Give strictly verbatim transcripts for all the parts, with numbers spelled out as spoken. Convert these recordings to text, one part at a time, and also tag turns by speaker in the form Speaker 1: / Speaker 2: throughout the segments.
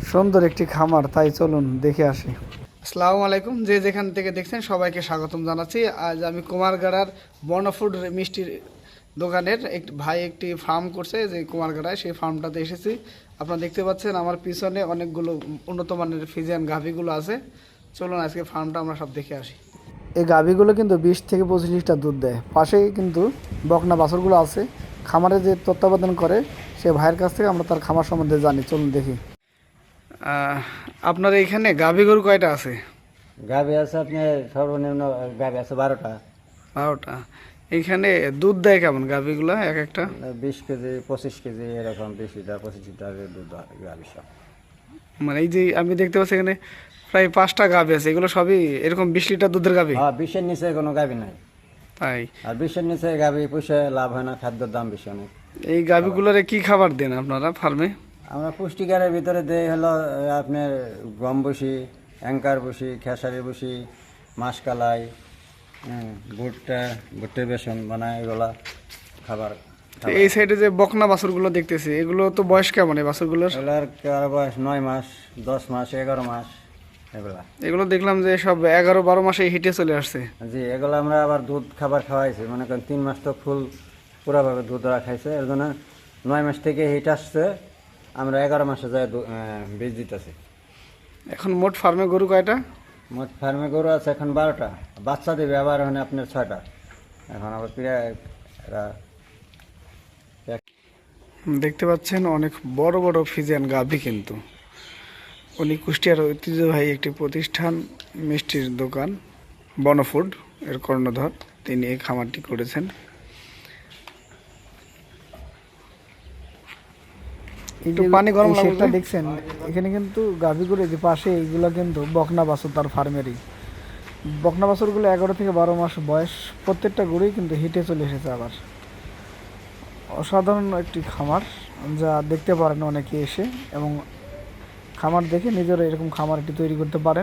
Speaker 1: সুন্দর একটি খামার, তাই চলুন দেখে আসি। আসসালামু আলাইকুম, যে যেখান থেকে দেখছেন সবাইকে স্বাগতম জানাচ্ছি। আজ আমি কুমারগাড়ার বর্ণফুড মিষ্টির দোকানের একটি ভাই একটি ফার্ম করছে, যে কুমারগাড়ায় সেই ফার্মটাতে এসেছি। আপনারা দেখতে পাচ্ছেন আমার পিছনে অনেকগুলো উন্নত মানের ফিজিয়ান গাভীগুলো আছে। চলুন আজকে ফার্মটা আমরা সব দেখে আসি। এই গাভীগুলো কিন্তু বিশ থেকে পঁচিশ লিটার দুধ দেয়। পাশেই কিন্তু বকনা বাছুরগুলো আছে। খামারে যে তত্ত্বাবধান করে সে ভাইয়ের কাছ থেকে আমরা তার খামার সম্বন্ধে জানি, চলুন দেখি। আপনার এখানে গাভী গরু কয়টা আছে?
Speaker 2: গাভী আছে আপনার সর্বনিম্ন গাভী আছে বারোটা।
Speaker 1: বারোটা। এইখানে দুধ দেয় কেমন গাভীগুলো এক একটা?
Speaker 2: বিশ কেজি পঁচিশ কেজি এরকম, বিশ লিটার পঁচিশ লিটার দুধ গাভী সব।
Speaker 1: মানে এই যে আমি দেখতে পাচ্ছি এখানে প্রায় পাঁচটা গাভী আছে, এগুলো সবই এরকম বিশ লিটার দুধের গাভী?
Speaker 2: হ্যাঁ, বিশের নিচে কোনো গাভী নাই।
Speaker 1: তাই?
Speaker 2: আর বিশের নিচে গাভী পুষে লাভ হয় না, খাদ্যের দাম বেশি অনেক।
Speaker 1: এই গাভীগুলোরে কি খাবার দেন আপনারা ফার্মে?
Speaker 2: আমরা পুষ্টিকারের ভিতরে দেই হলো আপনার গম বসি, অ্যাঙ্কার বসি, খেসারি বসি, মাসকালাই, হ্যাঁ, ভুট্টা ভুট্টের বেসন বানায়, এগুলা খাবার।
Speaker 1: এই সাইডে যে বকনা বাছুরগুলো দেখতেছি, এগুলো তো বয়স কেমন এই বাছুরগুলোর?
Speaker 2: এগুলার কারো বয়স নয় মাস, দশ মাস, এগারো মাস এগুলা।
Speaker 1: এগুলো দেখলাম যে সব এগারো বারো মাসে হিটে চলে আসছে।
Speaker 2: জি, এগুলো আমরা আবার দুধ খাবার খাওয়াইছি, মনে করেন তিন মাস তো ফুল পুরোভাবে দুধ ওরা খাইছে, এর জন্য নয় মাস থেকে হিট আসছে, আমরা এগারো মাসে যায় বীজ দিতেছি।
Speaker 1: এখন মোট ফার্মে গরু কয়টা?
Speaker 2: মোট ফার্মে গরু আছে এখন বারোটা, বাচ্চা দেবে আবার ওখানে আপনার ছয়টা। এখন আবার প্রায় এরা
Speaker 1: দেখতে পাচ্ছেন অনেক বড় বড় ফিজিয়ান গাভী, কিন্তু উনি কুষ্টিয়ার ঐতিহ্যবাহী একটি প্রতিষ্ঠান মিষ্টির দোকান বনফুড এর কর্ণধর, তিনি এই খামারটি করেছেন। একটু পানি গরম লাগছে দেখছেন, এখানে কিন্তু গাভীগুলো যে পাশে এইগুলো কিন্তু বকনা বাছুর, তার ফার্মেরই বকনা বাছুরগুলো এগারো থেকে বারো মাস বয়স, প্রত্যেকটা গরুই কিন্তু হিটে চলে এসেছে। আবার অসাধারণ একটি খামার, যা দেখতে পারেন অনেকে এসে, এবং খামার দেখে নিজেরা এরকম খামার একটি তৈরি করতে পারেন।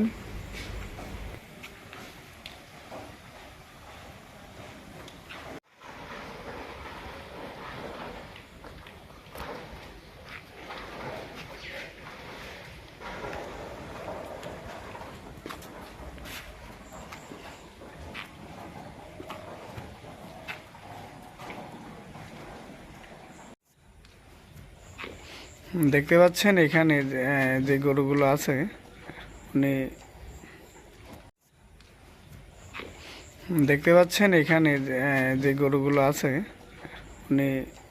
Speaker 1: দেখতে পাচ্ছেন এখানে যে গরুগুলো আছে, উনি দেখতে পাচ্ছেন এখানে যে গরুগুলো আছে উনি